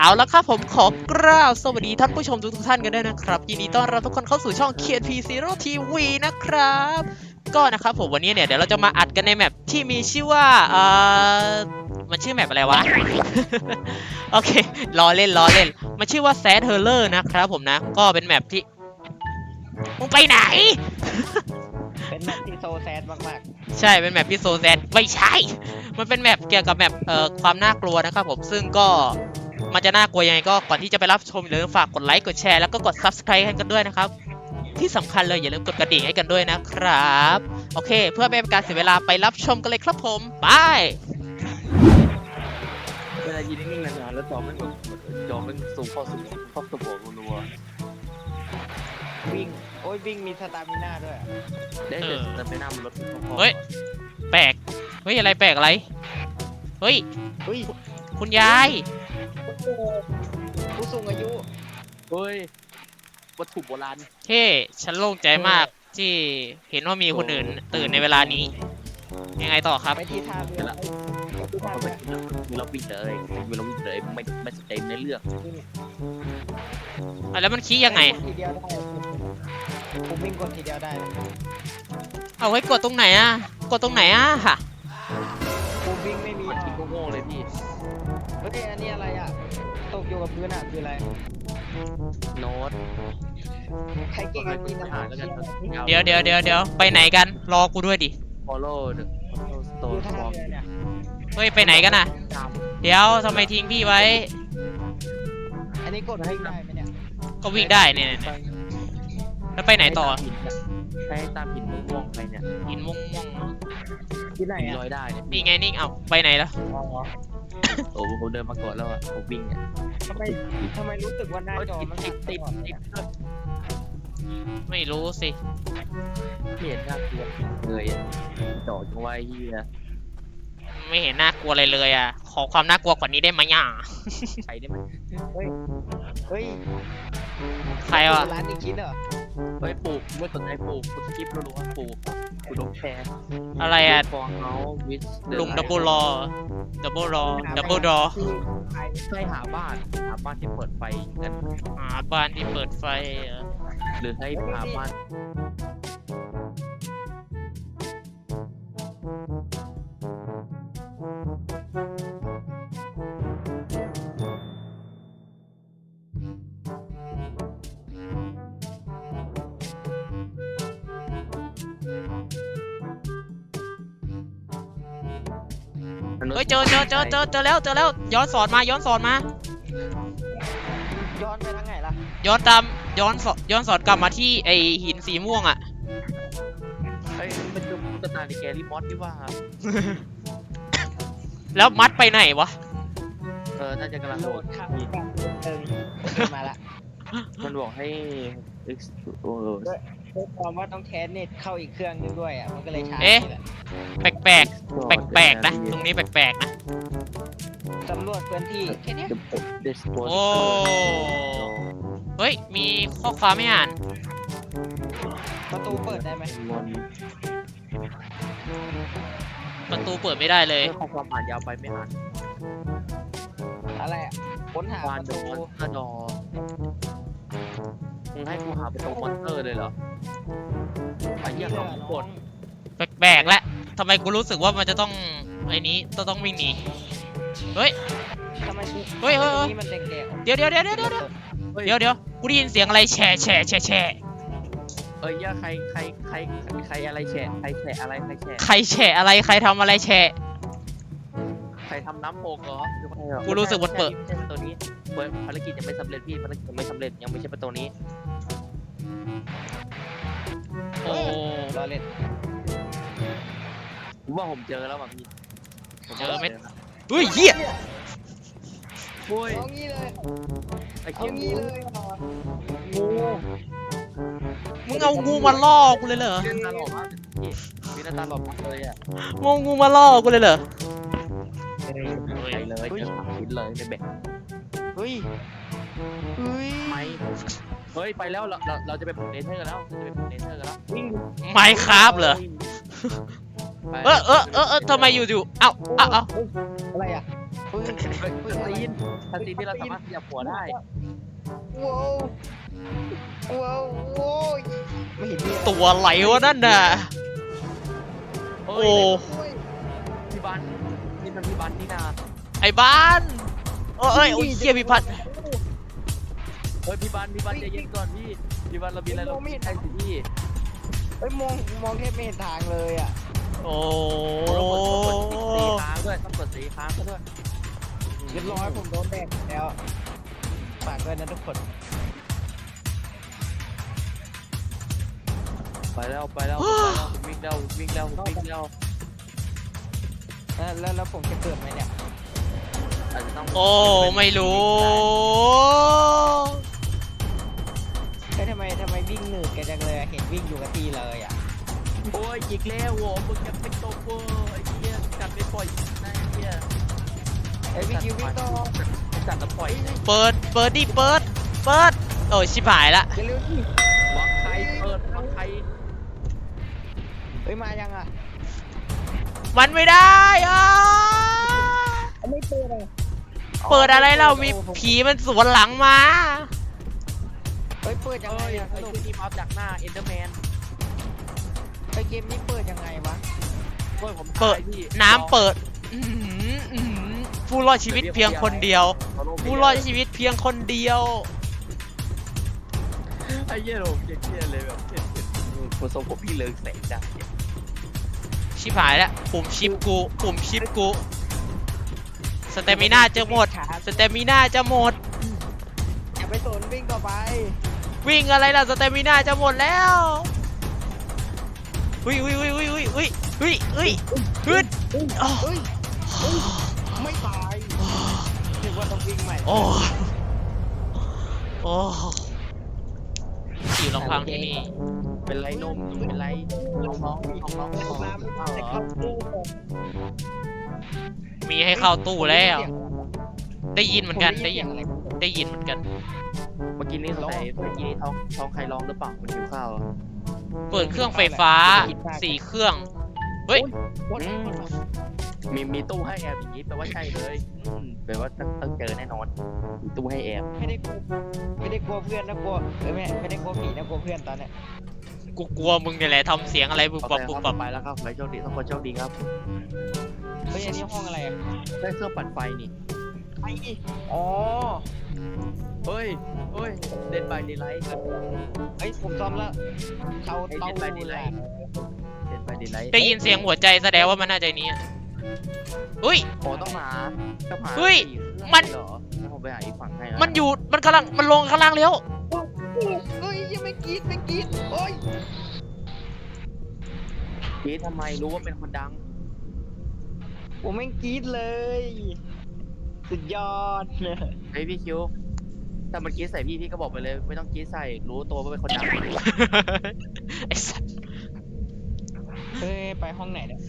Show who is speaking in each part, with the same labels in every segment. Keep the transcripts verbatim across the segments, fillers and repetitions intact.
Speaker 1: เอาละครับผมขอกราบสวัสดีท่านผู้ชมทุกท่านกันด้วยนะครับยินดีต้อนรับทุกคนเข้าสู่ช่อง เค พี Zero ที วี นะครับก็นะครับผมวันนี้เนี่ยเดี๋ยวเราจะมาอัดกันในแมปที่มีชื่อว่าเอ่อมันชื่อแมปอะไรวะ โอเคล้อเล่นล้อเล่นมันชื่อว่า Sad Horror นะครับผมนะก็เป็นแมปที่มึงไปไหน
Speaker 2: เป็นแมปที่โซแซดมาก
Speaker 1: ใช่เป็นแมปที่โซแซดไม่ใช่มันเป็นแมปเกี่ยวกับแมปเอ่อความน่ากลัวนะครับผมซึ่งก็มันจะน่ากลัวยังไงก็ก่อนที่จะไปรับชมอย่าลืมฝากกดไลค์กดแชร์แล้วก็กด ซับสไครบ์ ให้กันด้วยนะครับที่สำคัญเลยอย่าลืมกดกระดิ่งให้กันด้วยนะครับโอเคเพื่อไม่เป็นการเสียเวลาไปรับชมกันเลยครับผมไป
Speaker 3: เวลายืนนิ่งๆนานๆแล้วจอมันแบบจอมันสูงเข้าสูงเข้าสมองรัว
Speaker 2: ๆ วิ่ง โอ้ยวิ่งมีสตามิน่าด้วยอะ
Speaker 3: ๆได้แต่แต่ไม่น่ามันลดพอ
Speaker 1: เฮ้ยแปลกเฮ้ยอะไรแปลกอะไรเฮ้ย
Speaker 2: เฮ้ย
Speaker 1: คุณยาย
Speaker 2: ผู้สูงอายุ
Speaker 3: เฮ้ยวัตถุโบราณ
Speaker 1: เฮ้ฉันโล่งใจมากที่เห็นว่ามีคนอื่นตื่นในเวลานี้ยังไงต่อครับ
Speaker 2: ไปที่ท่าเรือไปที่ท่า
Speaker 3: มัน
Speaker 2: เรื
Speaker 3: ไม่
Speaker 2: อ
Speaker 3: มีเราวิ่งเลยมีเราวิ่งเลยไม่ไม่สนใจในเรื่อง
Speaker 1: อ่ะแล้วมันขี้ยังไง
Speaker 2: กดทีเดียวได้ผมวิ่งกดทีเดียวได้นะ
Speaker 1: เอาไว้กดตรงไหนอ่ะกดตรงไหนอ่ะค่ะ
Speaker 2: ผมวิ่งไม่มี
Speaker 3: มันคิดโง่ๆเลยพี่
Speaker 2: เฮ้ยอันนี้อะไรอ่ะ ตกอยู่กับพื้นอ่ะคืออะไร
Speaker 3: โน้ต
Speaker 2: ใครเก่งอันนี้นะ
Speaker 3: หาแล้วกัน
Speaker 1: เดี๋ยวเดี๋ยวเดี๋ยวเดี๋ยวไปไหนกันรอกูด้วยดิ
Speaker 3: follow the
Speaker 2: อ
Speaker 3: stone
Speaker 2: ยู่ท่า
Speaker 3: form
Speaker 2: เรือเนี่ย
Speaker 1: เฮ้ยไปไหนกันน่ะ
Speaker 3: ตาม
Speaker 1: เดี๋ยวทำไมทิ้งพี่ไว้
Speaker 2: อันนี้กดวิ่งได้ไหมเนี่ย
Speaker 1: ก็วิ่งได้เนี่ยเนี่ยแล้วไปไหนต่อ
Speaker 3: ให้ตามหินม่วงๆไปเนี่ย
Speaker 1: หินม่วงม่วง
Speaker 2: ที่ไหน
Speaker 3: หิน
Speaker 2: อ่ะ
Speaker 3: ลอยได้เนี่ย
Speaker 1: นี่ไงนี่เอาไปไหนแล้ว
Speaker 2: อ๋อ
Speaker 3: โอ้โหผมเดินมาก่อนแล้วอ่ะผมวิ่งเนี่ย
Speaker 2: ทำไมทำไมรู้สึกว่าหน้าจอมัน
Speaker 3: ติดติด
Speaker 2: สั่น
Speaker 3: ติด
Speaker 2: ตลอด
Speaker 1: ไม่รู้สิ
Speaker 3: เห็นน่ากลัวเลยอ่ะจ่อจังไว้เฮีย
Speaker 1: ไม่เห็นน่ากลัวอะไรเลยอ่ะขอความน่ากลัวกว่านี้ได้ไหมอ่ะ
Speaker 3: ใช้ได้ไหม
Speaker 2: เฮ้ย เฮ้ย
Speaker 1: ใครวะ
Speaker 2: ร้านนี้คิดเหรอ
Speaker 3: เฮ้ยปลูกเมื่อสนใจปลูกคุณคลิปรู้ว่าปลูกคุณลงแชร์
Speaker 1: อะไรอ่ะ
Speaker 3: ฟองเฮาวิส
Speaker 1: ลุงดับเบิลรอดับเบิลรอดับเบิลรอ
Speaker 3: ใช่หาบ้านหาบ้านที่เปิดไฟกัน
Speaker 1: หาบ้านที่เปิดไฟเหรอ
Speaker 3: หรือให้หาบ้าน
Speaker 1: เฮ้ยเจอเจอเจอเจอเจอแล้วเจอแล้วย้อนสอนมาย้อนสอนมา
Speaker 2: ย้อนไปทางไหนล่ะ
Speaker 1: ย้อนตามย้อนสอนย้อนสอนกลับมาที่ไอหินสีม่วงอ่ะ
Speaker 3: เฮ้ยมันจะกระตายในแกรี่มอสที่ว่า
Speaker 1: แล้วมัดไปไหนวะ
Speaker 3: เออน่าจะกำลัง
Speaker 2: โหล
Speaker 3: โหล
Speaker 2: ด
Speaker 3: ด
Speaker 2: เข้ากันเติมมาละ
Speaker 3: มันบอกให้ X โอ้
Speaker 2: ด้วยความว่าต้องแคสเน็ตเข้าอีกเครื่องนึงด้วยอ่ะ มันก็เลยช้า
Speaker 1: เอ๊ะ
Speaker 2: นี่แหละ
Speaker 1: แปลกแปลกแปลกแปลกๆนะตรงนี้แปลกแปลกๆนะ
Speaker 2: สำรวจพื้นที่แค่เนี้ย
Speaker 3: เดสโพส
Speaker 1: โอ้เฮ้ยมีข้อความไม่อ่าน
Speaker 2: ประตูเปิดได้ไหม
Speaker 1: ประตูเปิดไม่ได้เลย
Speaker 3: เรื่องของความอ่านยาวไปไม่อ่าน
Speaker 2: อะไรอ่ะ ค้นหาป
Speaker 3: วาน
Speaker 2: ระ
Speaker 3: โด
Speaker 2: ตู
Speaker 3: มอนสเตอร์ดอมึงให้กูหาประตูมอนสเตอร์เลยเหรอไอ้เหี้ยเขากด
Speaker 1: แปลกแปลกๆแล้วทำไมกูรู้สึกว่ามันจะต้องไอ้นี้ต้องต้องวิ่งหนีเฮ้ย
Speaker 2: ทำไม
Speaker 1: เฮ้ยเฮ้ยเฮ้ย
Speaker 2: นี่มันแดงๆ
Speaker 1: เดี๋ยวเดี๋ยวเดี๋ยวเดี๋ยวเดี๋ยวเดี๋ยวเดี๋ยวกูได้ยินเสียงอะไรแฉะแฉะแฉะแฉะ
Speaker 3: เอ้ยเหี้ยใครใครใครใครอะไรแฉะใครแฉะอะไรใครแฉะ
Speaker 1: ใครแฉะอะไรใครทำอะไรแฉะ
Speaker 3: ใครทำน้ำโปกเหรอ
Speaker 1: กูรู้สึกว่าเปิด
Speaker 3: ไม่ใช่ประตูนี้เปิดภารกิจยังไม่สำเร็จพี่ภารกิจยังไม่สำเร็จยังไม่ใช่ประตูนี้
Speaker 1: โอ้
Speaker 2: รอเล่น
Speaker 3: ผมว่าผมเจอแล้วแบบนี้
Speaker 1: เจอไหมเฮ้ยเหี้ย
Speaker 3: โอ้ย
Speaker 2: เอางี้เลย
Speaker 3: ไอ้
Speaker 2: เอา
Speaker 3: เหี้ย
Speaker 2: งี้เลยเหรอ
Speaker 3: งู
Speaker 1: มึงเอางูมาล่อกูเลยเหรอ
Speaker 3: มีหน้าตาหล่อมากพี่มีหน้าตาหล่อมากเลยอ่ะ
Speaker 1: มึงเอางูมาล่อกูเลยเหรอ
Speaker 3: ไปเลยเจอสามชิ้นเลยในแบก
Speaker 2: เฮ้ย เฮ้ย
Speaker 3: ไม่เฮ้ยไปแล้วเราเราเราจะไปปลุกเนเธอร์กันแล้วเราจะไปปลุกเนเธอร์กันแล้ว
Speaker 2: วิ่ง
Speaker 1: ไม้คราฟเหรอ
Speaker 3: ไป
Speaker 1: เออเออเออเออทำไมอยู่อยู่เอ้าเอ้าเอ้า
Speaker 2: อะไรอ่ะเฮ้ย
Speaker 3: เฮ้ยซีนทันซีนที่เราสามารถขยับหัวได้
Speaker 2: ว้าวว้าวโว้ยไม่เห็นมีอะไร
Speaker 1: ตัวไหลวะนั่นน่ะ
Speaker 3: โอ้
Speaker 1: โอ้
Speaker 3: ยพี่บันนี่มันพี่บันนี่นา
Speaker 1: ไอ้บ้านเอ้ยเอ้ยโอ้ยเฮียพิพัฒน์
Speaker 3: เฮ้ยพี่บันพี่บันใจเย็นก่อนพี่พี่บันเรามีอะไรเราไม่ใช่สิพี่
Speaker 2: เฮ้ยมองมองแทบไม่เห็นทางเลยอ่ะ
Speaker 1: โอ้
Speaker 3: ต้องกดต้องกดสีค้างด้วยต้องกดสีค้างซะด้วย
Speaker 2: เรียบร้อยผมโดนแดกแล้วฝากด้วยนะทุกคน
Speaker 3: ไปแล้วไปแล้วไปแล้ววิ่งแล้ววิ่งแล้ววิ่งแล้ว
Speaker 2: แล้วแล้วแล้วผมจะเกิดไหมเนี่ย
Speaker 3: อาจจะต้อง
Speaker 1: โอ้ไม่รู้
Speaker 2: เฮ้ยทำไมทำไมวิ่งหนืดกันจังเลยอะเห็นวิ่งอยู่กับที่เลยอ่ะ
Speaker 3: โอ้ยอีกแล้วโว้มึงจะเป็นโตโก้ไอ้เหี้ยกัดไม่ปล่อยนะไอ้เหี้ย
Speaker 2: ไอ้ยวิ่งอยู่วิ่งต่อ
Speaker 3: กัดแล้วปล่อย
Speaker 1: เปิดเปิดดิเปิดเปิดโอ้ยชิบหายละ
Speaker 2: อย่าเร็วดิ
Speaker 3: บล็อกใครเปิดบล็อกใคร
Speaker 2: เฮ้ยมายังอ่ะ
Speaker 1: มันไม่ได้อ่ะ
Speaker 2: เอาไม่เปิดอ่ะ
Speaker 1: เปิดอะไรเรามีผีมันสวนหลังมา
Speaker 2: เฮ้ยเปิดยัง
Speaker 3: เอ้
Speaker 2: ไง
Speaker 3: ย
Speaker 2: อ่ะ
Speaker 3: ไอ้ที่นี่พับดักหน้าเอ็นเดอร์แมน
Speaker 2: ไอ้เกมนี้เปิดยังไงวะ
Speaker 3: เฮ้ยผม
Speaker 1: เปิด
Speaker 3: ตายพี่
Speaker 1: น้ำเปิดอื้อหืออื้อหือผู้รอดชีวิตเพียงคนเดียว ผู้รอดชีวิตเพียงคนเดียว
Speaker 3: ไอ้เหี้ยผมเครียดเลยแบบเครียดๆผมทรงผมพี่เลิกแสงจัดเนี่ย
Speaker 1: ชิบหายแล้วปุ่มชิปกูปุ่มชิปกูสเตมิน่าจะหมดสเตมิน่าจะหมด
Speaker 2: อย่าไปสนวิ่งต่อไป
Speaker 1: วิ่งอะไรล่ะสเตมิน่าจะหมดแล้วอุ้ยอุ้ยอุ้ยอุ้ยอุ้ยอุ้ยอุ้ยอุ้ยฮึด
Speaker 2: เฮ้ย
Speaker 1: อ้าว
Speaker 2: เฮ้ยเฮ้ยไม่ตายนึกว่าต้องวิ่งใหม่
Speaker 1: โอ้โอ้อยู่ลำพังที่นี่
Speaker 3: เป็นไรนมเป็นไรน้องน้องน้องน้อง
Speaker 2: แต่
Speaker 3: น้อง
Speaker 2: น้ำ
Speaker 3: เอา
Speaker 2: แต่
Speaker 3: เหร
Speaker 2: เข้า
Speaker 3: อ
Speaker 2: ตู้ก่อน
Speaker 1: มีให้เข้าตู้แล้ว
Speaker 2: ผม
Speaker 1: ได้ยินเหมือนกัน
Speaker 2: ผม
Speaker 1: ได้ยิน
Speaker 2: เสีงอะไร
Speaker 1: ได้ยินเหมือนกัน
Speaker 3: เมื่อกี้นี้สงสัยเมื่อกี้นี้ท้องท้องใครร้องหรือเปล่ามันหิวข้าวอะ
Speaker 1: เปิดเครื่องไฟฟ้าสี่เครื่องเฮ้ย
Speaker 3: อืมมีมีตู้ให้แอบอย่างนี้แปลว่าใช่เลยอืมแปลว่าต้องต้องเจอแน่นอนมีตู้ให้แอบ
Speaker 2: ไม่ได้กลัวไม่ได้กลัวเพื่อนนะกลัวเออไม่ไม่ได้กลัวผีนะกลัวเพื่อนตอนเนี้ย
Speaker 1: กูกลัวมึงเนี่ยแหละทำเสียงอะไรบุบ
Speaker 3: โอ
Speaker 1: บับ
Speaker 3: เค
Speaker 1: บุบ
Speaker 3: ค
Speaker 1: บั
Speaker 3: รับบ ไปแล้วครับไปโชคดีทุกคนโชคดีครับ
Speaker 2: เฮ้ยอันนี้ห้องอะไรอ่ะ
Speaker 3: ได้เครื่องปั่นไฟนี่
Speaker 2: ไอ้อ๋อ
Speaker 3: เฮ้ยเฮ้ยเดนบายเดไลท์
Speaker 2: เฮ้ยผมซ่อมแล้วเตาเตา
Speaker 3: เดนบายเดไลท์เดนบายเดไลท์
Speaker 1: ได้ยินเสียงหัวใจแสดงว่ามันน่าจะนี้อะเฮ้ย
Speaker 3: โอ้ต้องหาต้องหา
Speaker 1: เฮ้ย
Speaker 3: สี่เครื่อง
Speaker 1: มัน
Speaker 3: เหรอแล้วผมไปหาอีกฝั่งให้ะ
Speaker 1: มันอยู่มันกำลังมันลงข้างล่างแล้ว
Speaker 2: เฮ้ยยังไม่กรีดไม่กรีดโอ้ย
Speaker 3: พีททำไมรู้ว่าเป็นคนดัง
Speaker 2: ผมไม่กรีดเลย สุดยอด
Speaker 3: เฮ้ยพี่คิวถ้ามันกรีดใส่พี่พี่ก็บอกไปเลยไม่ต้องกรีดใส่รู้ตัวว่าเป็นคนดัง
Speaker 1: ไอ้สัส
Speaker 2: เฮ้ยไปห้องไหนเนี่ย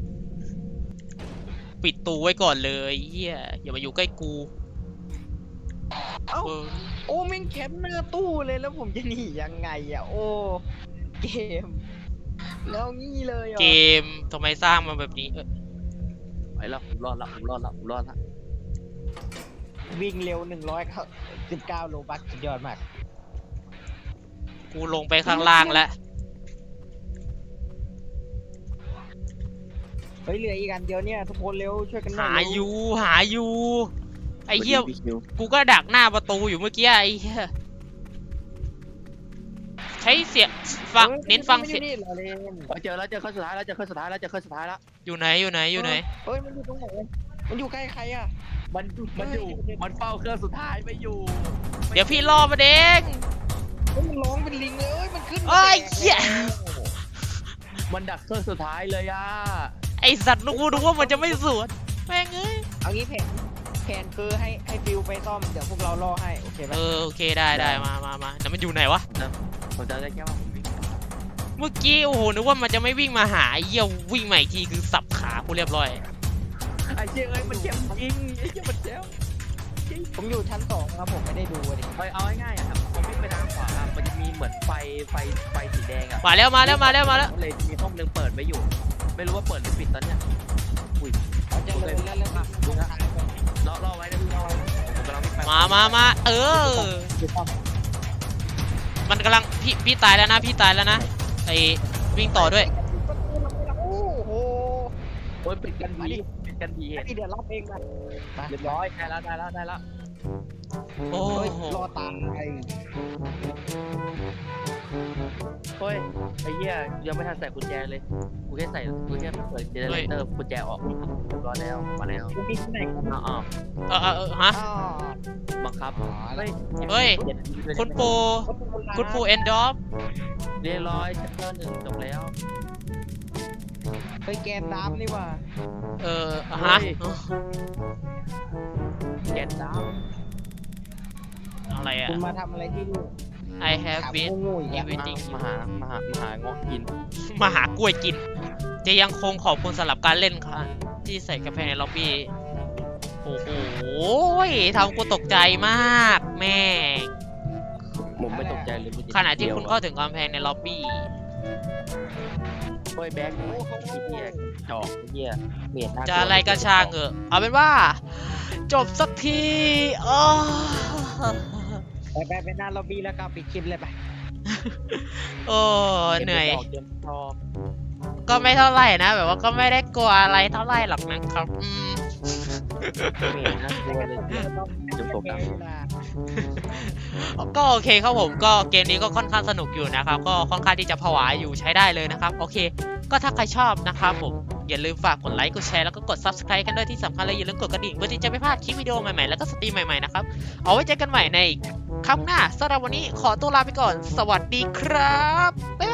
Speaker 1: ปิดตูไว้ก่อนเลยเฮียอย่ามาอยู่ใกล้กู
Speaker 2: เอ้า
Speaker 1: เออ
Speaker 2: โอ้แม่งแคปหน้าตู้เลยแล้วผมจะหนียังไงอ่ะโอ้เกมแล้วงี้เลยเหรอ
Speaker 1: เกมทำไมสร้างมาแบบนี้เออ
Speaker 3: ไปแล้วผมรอดละผมรอดละผมรอดละ
Speaker 2: วิ่งเร็วหนึ่งร้อยสิบเก้าโลบัคสุดยอดมาก
Speaker 1: กูลงไปข้างล่างแล้ว
Speaker 2: เฮ้ยเหลืออีกอันเดียวเนี่ยทุกคนเร็วช่วยกันน่
Speaker 1: หา
Speaker 2: เร็ว
Speaker 1: อยู่หาอยู่ไอ้เหี้ย
Speaker 3: พี่คิว
Speaker 1: กูก็ดักหน้าประตูอยู่เมื่อกี้ไอ้เหี้ยใช้เสียงฟัง
Speaker 2: ฮ้ย
Speaker 1: เน้นฟังเสียง
Speaker 2: นี่เราเล่น
Speaker 3: เฮ้ยเจอแล้วเจอเครื่องสุดท้ายแล้วเจอเครื่องสุดท้ายแล้วเจอเครื่องสุดท้ายแล้ว
Speaker 1: อยู่ไหนอยู่ไหนอยู่ไหน
Speaker 2: เฮ้ยมันอยู่ตรงไหนมันอยู่ใกล้ใครอ่ะ
Speaker 3: มันมันอยู่มันเฝ้าเครื่องสุดท้ายไม่อยู่
Speaker 1: เดี๋ยวพี่ล่อมาเด้ง
Speaker 2: เฮ้ยมันร้องเป็นลิงเลยเอ้ยมันขึ้นมา
Speaker 1: เอ้ย
Speaker 2: แดก
Speaker 1: เหี้ย
Speaker 2: แล้ว
Speaker 3: มันดักเครื่องสุดท้ายเลยอ่ะ
Speaker 1: ไอสัตว์กูนึกว่ามันจะไม่สวนแม่งเอ้ย
Speaker 2: เอางี้แผนแผนคือให้ให้ฟิวไปซ่อมเดี๋ยวพวกเราล่อให้โอเคไหม
Speaker 1: เออโอเคได้ได้มามามาแต่มันอยู่ไหนวะ
Speaker 3: ผมจะได้แค่ว่าผมวิ่ง
Speaker 1: เมื่อกี้โอ้โหนึกว่ามันจะไม่วิ่งมาหาไอ้เหี้ยวิ่งมาอีกทีคือสับขากูเรียบร้อย
Speaker 3: ไอ้เชี่ยเอ้ยมันเจ็บจริงไอ้เชี่ยมันเจ็บ
Speaker 2: ผมอยู่ชั้นสองครับผมไม่ได้ดูอะดิ
Speaker 3: ไปเอาง่ายๆอ่ะครับผมวิ่งไปทางขวาอ่ะมันจะมีเหมือนไฟไฟไฟสีแดงอ่ะ
Speaker 1: มาแล้วมาแล้วมาแล้วมาแล้ว
Speaker 3: เลยมีห้องนึงเปิดไว้อยู่ ไม่รู้ว่าเปิดหรือปิดตอนเนี้ยอุ้ย
Speaker 2: เอาจะเลยแล้วแล้ว
Speaker 3: ดูนะรอรอไว้นะพี่รอไว้ผมกำลังวิ่งไป
Speaker 1: มามามาเออ
Speaker 2: ดูป้อม
Speaker 1: มันกำลังพี่พี่ตายแล้วนะพี่ตายแล้วนะไอวิ่งต่อด้วย
Speaker 2: โอ้โห
Speaker 3: โอ้ยปิดกันผีปิดกันผี
Speaker 2: ไอ้นี่เดี๋ยวรับเองไปไป
Speaker 3: เรียบร้อยได้แล้วได้แล้วได้แล้ว
Speaker 1: โอ้
Speaker 2: เฮ้ย
Speaker 1: โห
Speaker 2: รอตามไอ้
Speaker 3: เฮ้ยไอ้เหี้ยยังไม่ทันใส่กุญแจเลยกูแค่ใส่กูแค่เปิดเจเนเรเตอร์กุญแจออกเรียบร้อยแล้วมาแล้ว
Speaker 2: กูมีที่ไหนกัน
Speaker 3: อ้าวอ้าว
Speaker 1: เออเออเออฮะ
Speaker 2: อ๋อ
Speaker 3: บังคับเฮ้ย
Speaker 1: เฮ้ย
Speaker 3: เจ็ด
Speaker 1: คุณปูคุณปูเอนดอฟ
Speaker 3: เรียบร้อยชัปเตอร์หนึ่งจบแล้ว
Speaker 2: เฮ้ยแกนน้ำนี่ว่ะ
Speaker 1: เออฮะ
Speaker 3: แกนดาว
Speaker 1: อะไรอะ
Speaker 2: คุณมาทำอะไรที่นี่
Speaker 1: I have
Speaker 2: ถาม
Speaker 1: been
Speaker 2: โง่ๆอย่างเงี้ย
Speaker 1: everything
Speaker 3: มาหามาหามาหางอกกิน
Speaker 1: มาหากล้วยกิน จะยังคงขอบคุณสำหรับการเล่นค่ะ ที่ใส่กาแฟในล็อบบี้ โอ้โหทำกูตกใจมาก แม่ง
Speaker 3: ผมไม่ตกใจเลย
Speaker 1: ขณะที่คุณเข้าถึงกำแพงในล็อบบี้
Speaker 3: เฮ้ยแบ็คโอ้เขาไอ้เหี้ยจอกไอ้เหี้ยเมียน
Speaker 1: จะอะไรก็ช่างเออเอาเป็นว่า จบสักทีอ้อ
Speaker 2: ไปไปไปหน้าล็อบบี้แล้วก็ปิดคลิปเลยไป
Speaker 1: โอ้เหนื่อย
Speaker 3: เกมชอบ
Speaker 1: ก็ไม่เท่าไหร่นะ แบบว่าก็ไม่ได้กลัวอะไรเท่าไหร่หรอกนะครับ อืม
Speaker 3: เมียนน่ากลัวเลยเนี่ยจะตกน้ำ
Speaker 1: ก็โอเคครับผมก็เกมนี้ก็ค่อนข้างสนุกอยู่นะครับ ก็ค่อนข้างที่จะผวาอยู่ใช้ได้เลยนะครับ โอเค ก็ถ้าใครชอบนะครับผมอย่าลืมฝากกดไลค์กดแชร์แล้วก็กด ซับสไครบ์ กันด้วยที่สำคัญเลยอย่าลืมกดกระดิ่งเพื่อที่จะไม่พลาดคลิปวิดีโอใหม่ๆแล้วก็สตรีมใหม่ๆนะครับเอาไว้เจอกันใหม่ในครั้งหน้าสำหรับวันนี้ขอตัวลาไปก่อน สวัสดีครับบ๊ายบาย